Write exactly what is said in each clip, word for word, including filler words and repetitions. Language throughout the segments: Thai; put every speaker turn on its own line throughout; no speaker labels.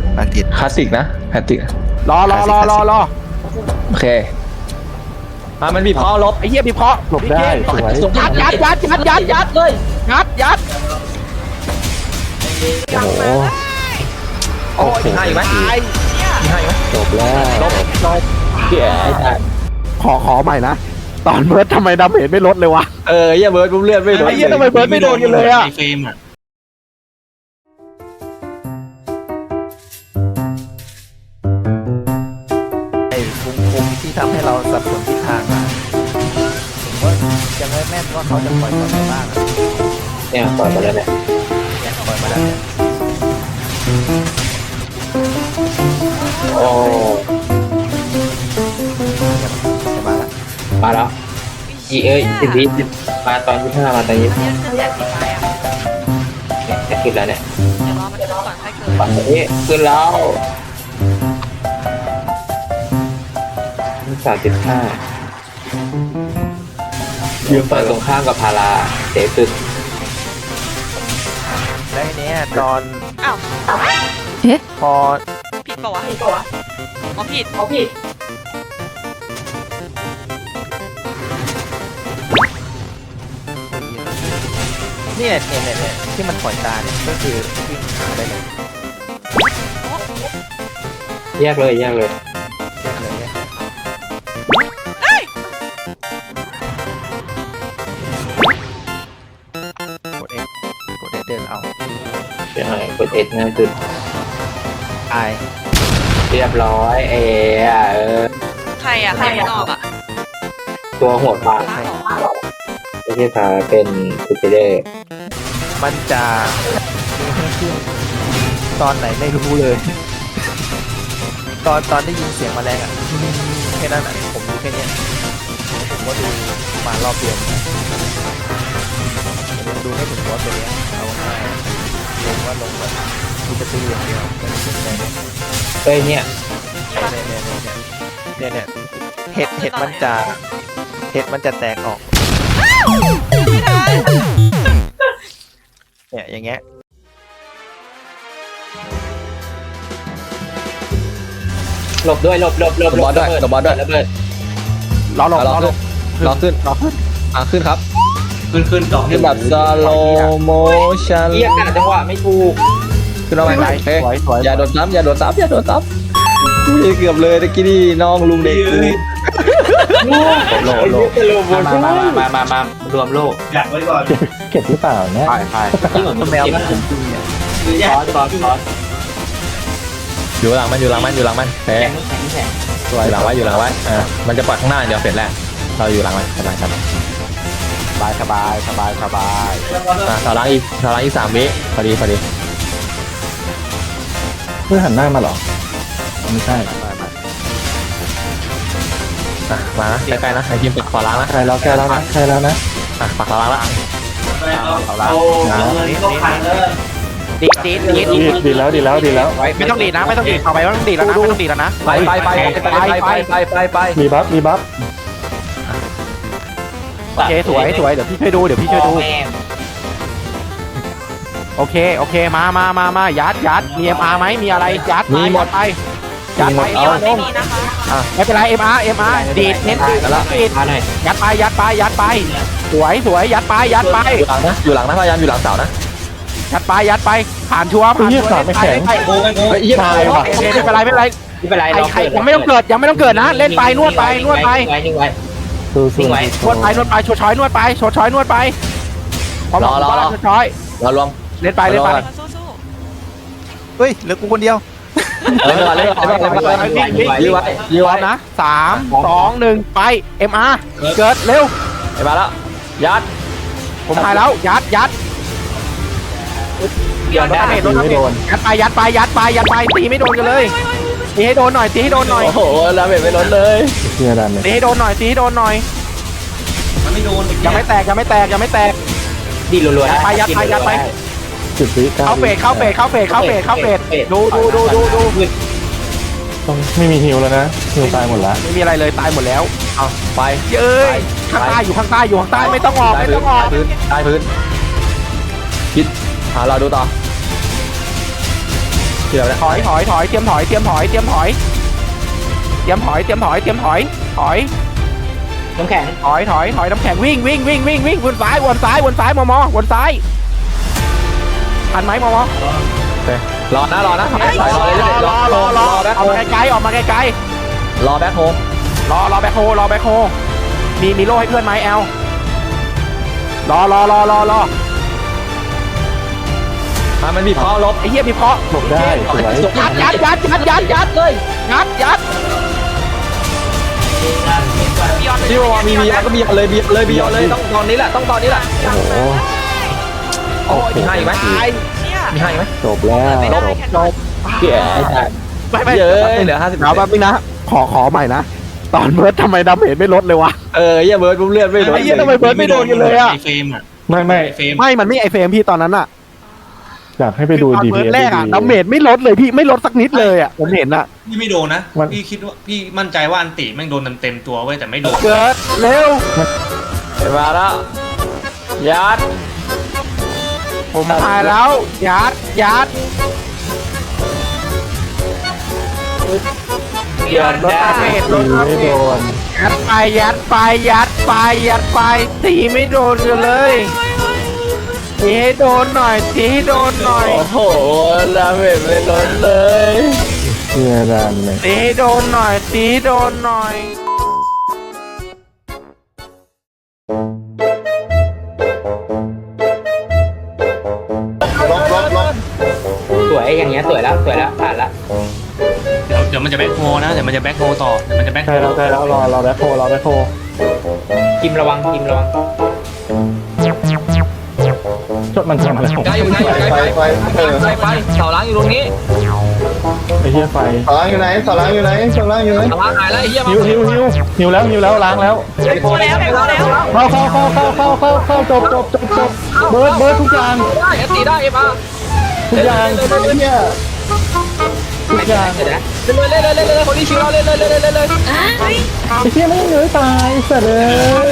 บางที
คลาสสิกนะแพตติก
รอรอรอรอรอ
โอเคมามันบีบคอลบ
ไอ้เหี้ยบีบคอ
หลบได้สวย
ยัดยัดยัดยัดยัดยัดเลยยัดยัด
โอ้โห
โอ้ยให้อีกไหมให้อีกไหม
จบแล้ว
ลบลบเกี่ย
ขอขอใหม่นะตอนเบิร์ดทำไมดาเมจไม่ลดเลยวะ
เออเหี้ยเบิร์ดปุ๊บเลือดไม่โดน
ไอ้เหี้ยทำไมเบิร์ดไม่โดนกันเลยอะ
เฟรมอ่ะไอ้คุมคุมที่ทำให้เราสับสนทิศทางมาผมว่ายังไม่แม่นว่าเขาจะปล่อยตอนไหนบ้างอะ
เนี่ยปล่อยมาแล้วเนี่ย
เนี่ยปล่อยมาแล้วเนี่ย
โอ้
จะมาแล้ว
มาแล้วอีเอ้ยสิบวิมาตอนยี่ห้ามาตอนยี่ห้า
เนี่ยขึ้นแสนสีไฟอ่ะ
เนี่ยจะขึ้นแล้วเนี่ย
เดี๋ยวรอมันขึ้นก่อนค่อยเกิด
ปัดนี้ขึ้นแล้วสามสิบห้ายืมฝั่งตรงข้ามกับพาราเสียสุด
แล้วทีเนี้ยตอน
อ้าว
พอ
ผิดปะวะผิดปะวะอ๋อผิดอ๋อผิด
เนี่ยเนี่ยเนี่ยเนี่ยที่มันปล่อยตาเนี่ยก็คือวิ่งหาได้เลย
แยกเลยแยกเลย
แยกเลยแยกเลยกด X กด X เดินเอา
ใช่กดเอ็ดง่ายสุด
ไอ
เรียบร้อยเอเออ
ใครอ่ะใครไม่ออกอ่ะ
ตัวหัวปลา
ลากออก
ไม่ใช่ปลาเป็นคูเปเดอร์
มันจะมีให้ขึ้นตอนไหนไม่รู้เลย ตอนตอนได้ยินเสียงแมลงอ่ะแค่นั้นอ่ะผมดูแค่เนี้ยผมก็ดูมารอบเดียวผมยังดูไม่ถึงว่าตัวเนี้ยเอาง่ายลงว่าลงแบบมีจะตีอย่างเดียวไม่ได้สนใจเนี่ย
เฮ้ยเนี่ย
เนี่ยเนี่ยเนี่ยเนี่ยเห็ดเห็ดมันจะเห็ดมันจะแตกออกเนี่ยอย่างเงี้ย
หลบด้วยหลบหลบหลบบ
อลด้วยหลบบอลด้วย
ระเบิด
รอหลบร
ร
อ
อ
หล
ขึ้น
บ
รอขึ้น
รอขึ้น
อ่ะขึ้นครับ
ขึ้นขึ้นดอก
ขึ้นแบบสโลโมชั่น
เรียกกันจังหวะไม่ถูก
ขึ้นเอาไปไหน
สวยสวย
อย่าโดนซ้ำอย่าโดนซ้ำอย่าโดนซ้ำอุ้ยเกือบเลยตะกี้นี่น้องลุงเด็กกู
โลโลมามามามามารวมโลก
เก็บหรือเปล่าเนี่ย
ไปไป
ที่เหมือนแมวมันจริงๆเนี่ยซอสซอสซอส
อยู่หลังมันอยู่หลังมันอยู่หลังมันเฮ้ย
แข็งแข็งแข็ง
อยู่หลังไว้อยู่หลังไว้อ่ามันจะปล่อยข้างหน้าเดี๋ยวเสร็จแล้วเราอยู่หลังมันสบายครับ
สบายสบายสบายสบาย
อ่าต่อหลังอีกต่อหลังอีกสามวิพอดีพอดี
เพื่อหันหน้ามาเหรอไม่ใช่
อ่ะมานะใกล้ๆนะไอทีมปักขวาล้างนะ
ใครแล้วแกแล้วนะใครแล้วนะ
อ่ะปักขวาล้างละ
เอาละ
ดีดดีดดีด
ดีดีแล้วดีแล้วดีแล้ว
ไม่ต้องดีดนะไม่ต้องดีดเอาไปไม่ต้องดีดแล้วนะไม่ต้องดีดแล้วนะ
ไปไปไปไปไปไปไปไป
มีบัฟมีบัฟ
โอเคสวยสวยเดี๋ยวพี่ช่วยดูเดี๋ยวพี่ช่วยดูโอเคโอเคมามามามายัดยัดมี เอ็ม อาร์ ไหมมีอะไรยัดไปยัดไปยัดไป
เดี๋ยวไม่มีนะคะ
ไม่เป็นไร เอ็ม อาร์ เอ็ม อาร์ ดีดเน้นดีดดีด
มาหน่อย
ยัดไปยัดไปยัดไปสวยสวยยัดไปยัดไป
อยู่หลังนะอยู่หลังนะพยายามอยู่หลังเสานะ
ยัดไปยัดไปผ่านชัวร์ผ่านชัวร์
ไม่แข็ง
ไป
โอ้ยโอ้
เฮ้
ย
ยเยี่ยม
ตาย
เลย
ว่ะ
ไม่เป็นไรไม่เป็นไร
ไม่เป็นไร
ใครใครยังไม่ต้องเกิดยังไม่ต้องเกิดนะเล่นไปนวดไปนวดไป
ไว้นิ่งไว้
สู้สู้
นิ่งไว้
นวดไปนวดไปโชว์ช้อยนวดไปโชว์ช้อยนวดไปพร้อมแล้วโชว์ช้อย
เรารวม
เล่นไปเล่นไป
สู้สู้
เฮ้ยเหลือกูคนเดียว
เล่นก่อนเล่นก่อนเล่นก่อนเล่นก่อนยื้อไว้ยื้อ
พร้อ
ไว้
มนะสามสองหนึ่งไป เอ็ม อาร์ เกิดเร็ว
ไปมาแล้วยัด
ผมหายแล้วยัดยัด
เดี๋ยว
รถ
ได้
ดาเมจรถดาเมจยัดไปยัดไปยัดไปยัดไปตีไม่โดนกันเลยตีให้โดนหน่อยตีให้โดนหน่อย
โอ้โหดาเมจไม่ลดเลย
เชื่อดันเลย
ตีให้โดนหน่อยตีให้โดนหน่อย
มันไม่โดน
ยังไม่แตกยังไม่แตกยังไม่แตก
ดีรัวๆ
ยัดไปยัดไปยัดไป
จุดวิก้า
เข้าเฟดเข้าเฟดเข้าเฟดเข้าเฟดเข้าเฟดดูดูดูดูดู
ต้องไม่มีฮิวแล้วนะฮิวตายหมดละ
ไม่มีอะไรเลยตายหมดแล้ว
เอาไป
เย้ยข้างใต้อยู่ข้างใต้อยู่ข้างใต้ไม่ต้องออกไม่ต้องออก
พื้นใต้พื้นคิดอ่าเราดูต่อเกี่ยวแล้ว
ถอยถอยถอยเตรียมถอยเตรียมถอยเตรียมถอยเตรียมถอยเตรียมถอยเตรียมถอยถอย
น้ำแข็ง
ถอยถอยถอยน้ำแข็งวิ่งวิ่งวิ่งวิ่งวิ่งวนซ้ายวนซ้ายวนซ้ายมอมอวนซ้ายทันไหมมอมอ
รอนะรอนะ
รอรอรอรอรอ
แบ็ค
อ
โฮ
อกมาไกลๆออกมาไกล
รอแบ็คโฮ
ๆรอรอแบ็คโฮรอแบ็คโฮมีมีโล่ให้เพื่อนไหมแอลรอรอรอรอรอ
อ่ะมันบีบคอลบ
ไอ้เหี้ยมีเคาะ
หลบได้สวย
ยัดยัดยัดยัดยัดยัดเลยยัดยัด
บิยอน
ที่ว่ามีบียอนก็บียอนเลยบียอนเลยบียอนเลยต้องตอนนี้แหละต้องตอนนี้แหละ
โอ้โห
โอ้ยมีให้อีกไหม
ตาย
เนี่ย
มีให้อีกไหม
จบแล้ว
ไม่ได้แค่
จบ
เกี่ยไอ้สัส
ไม่ไม่
เยอะเหลือห้าสิบ
เดี๋ยวแป๊บนึงนะขอขอใหม่นะตอนเบิร์ดทำไมดาเมจไม่ลดเลยวะ
เออเหี้ยเบิร์ดปุ๊บเลือดไม่ลด
ไอ้เหี้ยทำไมเบิร์ดไม่โดนกันเลยอะ
ไอเฟรมอ่ะ
ไม่ไม่
ไอเฟรม
ไม่มันไม่ไอเฟรมพี่ตอนนั้นอะ
อยากให้ไปดู
ตอน
ดี
เบิ
พี
ร์ดแรกอะดาเมจไม่ลดเลยพี่ไม่ลดสักนิดเลยอะผมเห็นอะ
พี่ไม่โดนนะ
มัน
พี่คิดว่าพี่มั่นใจว่าอันติแม่งโดนเต็มๆตัวไว้ยแต่ไม่โดน
เกิดเร็ว
มาแล้วยัด
ผมตายแล้วยัดยัด
เดือน
ลด
ได้
ดาเมจล
ตี
ดดา
ไม่
เม
โด
จ
น
ยัดไปยัดไปยัดไปยัดไปตีไม่โดนกันเลยตีให้โดนหน่อยตีให้โดนหน่อย
โอ้โหดาเมจไม่ลดเลย
เชื่อดันเลย
ตีให้โดนหน่อยตีให้โดนหน่อย
สวยอย่างเงี้ยสวยแล้วสวยแล้วผ่านละ
เดี๋ยวเดี๋ยวมันจะแบ็คโฮนะเดี๋ยวมันจะแบ็คโฮต่อเดี๋ยวมันจะแบ็คโฮ
ใช่แล้วใช่แล้วรอรอแบ็คโฮรอแบ็คโฮ
กิมระวังกิมระวัง
จดมันทำอะไรของ
ไกลอยู่ไกลอยู่ไกลไปไปไปไปเสาล้างอยู่ตรงนี้
ไอ้เหี้ยไฟ
สาล้างอยู่ไหนสาล้างอยู่ไหนสาล้างอยู่ไหน
เสาล้างหายแล้วไอ้เหี้ยมา
หิวหิวหิวหิวแล้วหิวแล้วล้างแล้ว
แพ็คโคแล้วแพ็คโคแล้ว
เข้าเข้าเข้าเข้าเข้าเข้าเข้าจบจบจบจบเบิร์ดเบิร์ดทุกอย่าง
ได้เอสตีได้เอฟอาร์
ทุกอย่าง
เนี่ย
ทุกอย่าง
เดี๋ยวนะ
เล่นเลยเล่นเลยเล่นเลยคนที่ชิวเราเล่นเลยเล่นเลยเล่นเลย
เฮ้ย
ไอ้เหี้ยไม่เหนื่อยตายเสร็จเลย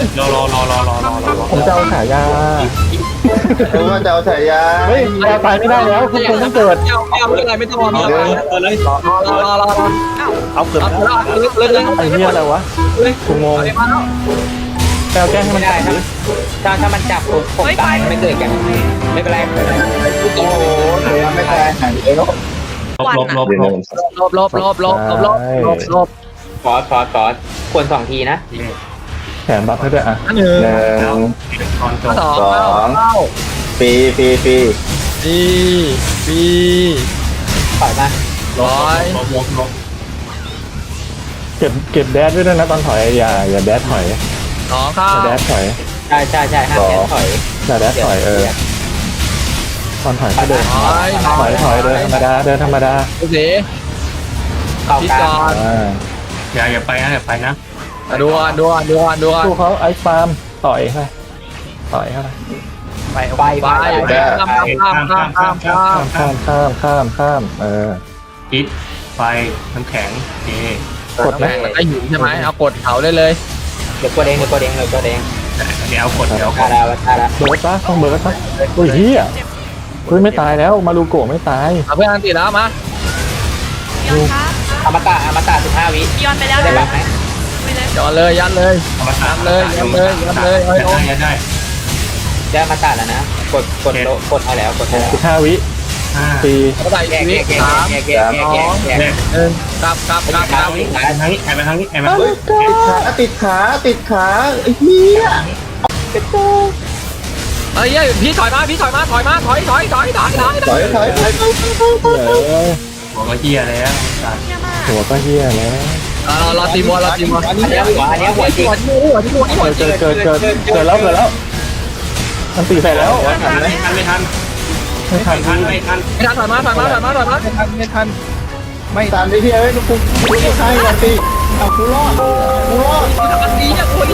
รอรอรอรอรอรอรอ
ผมจะเอาฉายา
รู้ว่าจะเอาฉายา
เฮ้ยยาตายไม่ได้แล้วคุณคุณต้องเกิด
ไม่เอาไม่เอาไม่เป็นไรไม่ต้องรอไม่
เอ
เอา
อเลย
รอรอรอรอ
เอาเกือบ
เอา
แล้ว
เล่นเล่น
ไอ้เหี้ยอะไรวะกูงงแปลแกล้งให้
ไม่
มัน
ได้ถ้าถ้าถ้ามันจับผมผมตายไม่เกิดกันไม่เป็นไรไม่เป็นไร
โอ้โหไม่ตายหายเลย
ลบลบลบลบ
ลบลบลบลบลบลบลบลบ
ฟอสฟอสฟอสควรสองทีนะ
แขนบัฟให้ด้วยอ่ะ
อันหนึ่ง
หนึ่ง
ตอนจบ
สอง
สองปีปีปี
ปีปี
ถอยมา
ร้อย
ลบลบลบ
เก็บเก็บแดดด้วยนะตอนถอยอย่าอย่าแดดถอย
สองข้า
อย่าแดดถอย
ใช่ใช่ใช่ห้ามแขนถอย
อย่าแดดถอยเออตอนถอยก็เดิน
ร้อย
ถอยถอยเดินธรรมดาเดินธรรมดา
โอเค
เข้า
พิ
กลา
จาง ร
อ่า
อย่าอย่าไปนะอย่าไปนะ
ดูอ่ะดูอ่ะดูอ่ะดูอ่ะ
สู้เขาไอซ์ฟาร์มต่อยเข้าไปต่อยเข้าไป
ไป
ไป
ไป
ไป
ข้ามข้ามข้ามข้ามข้ามข้าม
ข้ามข้ามข้ามข้ามเออ
พิษไฟน้ำแข็งเอก
ดไหม
แม่งมันได้หิวใช่ไหมเอากดเผาได้เลย
เดี๋ยวกดเองเดี๋ยวกดเองเดี๋ยวกดเอง
เดี๋ยวเอากดเดี๋ยวเอาก
ตา
ด
ดาวตาดา
เบิร์ดปะต้องเบิร์ดปะโอ้ยเฮียเฮ้ยไม่ตายแล้วมารูโกะไม่ตาย
เอาเพื่อนอันติดแล้วมา
บิยอนคะ
อมตะอมตะสิบห้าวิ
บิยอนไปแล้ว
ได้
นะ
บัฟไหม
ไปเลย
ย้อนเลยยันเลย
เอามา
ยันเลยยันเลยยันเลยเอา
ได้ได้ได้
ได้อมตะแล้วนะกดกดโลกดเอาแล้วกดเอาแล้ว
สิบห้าวิ
ห้า
สี่
เอาใส่
แยก
ชี
แย
วิต
กแยก
สาม
แยกแยกแยกแยกแยก
แยก
หนึ่งกลับกลับกลับกลับ
ไปทางนี้ไปทางนี้ไปทาง
เฮ้
นี้
ยขาติดขาติดขาไอ้เหี้ย
เฮ้ยพี่ถอยมาพี่ถอยมาถอยมาถอยถอยถอยถอยถอย
ถอยถอยถอย
เออ
บอกว่าเฮียแล้วสัตว์
เยี่ยมมาก
หัวก็เฮียแล้ว
รอรอตีมัวรอตีมัว
อันนี้หัวอันนี้หัวจริง
หัวที่หัวที่หัวที่หัว
เกิดเกิดเกิดเกิดเกิดแล้วเกิดแล้วมันตีใส่แล้ว
ไม่ทันไม่ทันไม่ทัน
ไม่ทัน
ไม่ทันไม่ทัน
ไม่ทันถอยมาถอยมาถอยมาถอยมาไม่ทันไม่ทัน
ไม่ตามดิพี่เอ้ยลูกกูกูจะฆ่าก่อนสิเอากูรอดกูรอด
อันนี้อ่ะตัวนี้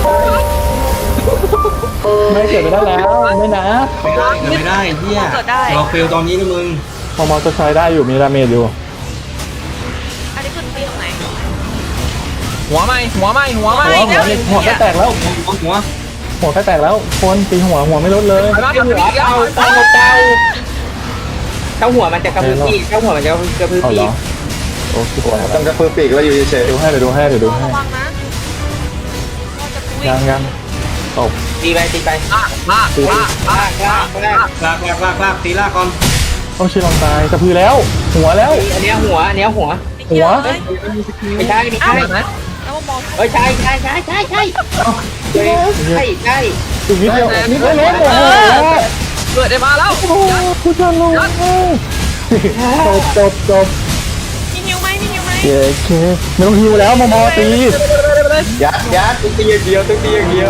ไม่เกิดไปได้แล้วไม่นะ
ไม่ได้ไม่ได้เฮียเราเฟลตอนนี้นะมึง
พอมอจะใช้ได้อยู่มีดาเมจอยู่
อันนี้คือตีตรงไหน
หัวไหมหัวไหมหัวไหม
หัวหัวหัวก็แตกแล้ว
หัว
หัวก็แตกแล้วคนตีหัวหัวไม่ลดเลย
ถอยมาถอยมา
เต่าเต่าเต่าเข้าหัวมันจะกระพือปีกเข้าหัวมันจะกระพือ
เอา
ปี
เหร
ก
อโอเค
ต้องกระเพื่อปีกแล้วอยู่เฉย
ดูให้เดี๋ยวดูให้เดี๋ยวดูให้
ระวังนะก็จะคุย
ยังยังตบ
ตีไปตีไปลากลากลากลากลากลาก
ลากลากลากลากตีลากก่อน
ต้องชิลองตายกระพือแล้ว หัวแล้ว
อันเนี้ยหัวอันเนี้ยหัว
หัว
เฮ้ย
ไม่ใช่ไม่ใช่
แล้วมอง
เอ้ยใช่ใช่ใช่ใช่ใช่ใช่ใช่ใช่
อีกนิดเดียวนิดเดียวล้มโอ้โห
เกิดได้มาแล้ว
โอ้โหคุณจะลงจบจบจบ
มีหิวไหมมีหิวไหม
เย้เคไม่ต้องฮิวแล้วมอมอตี
ๆยัดยัด
ต้องตีอย่างเดียวต้องตีอย่างเดียว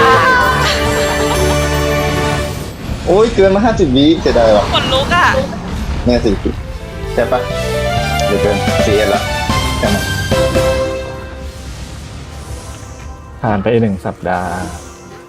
โอ้ยเกินมาห้าสิบวิเสียดายว่ะ
ขนลุกอ่ะ
เนี่ยสี่สิบใช่ปะเดี๋ยวเกินสี่เอ็ดละใช่ไหม
ผ่านไปหนึ่งสัปดาห์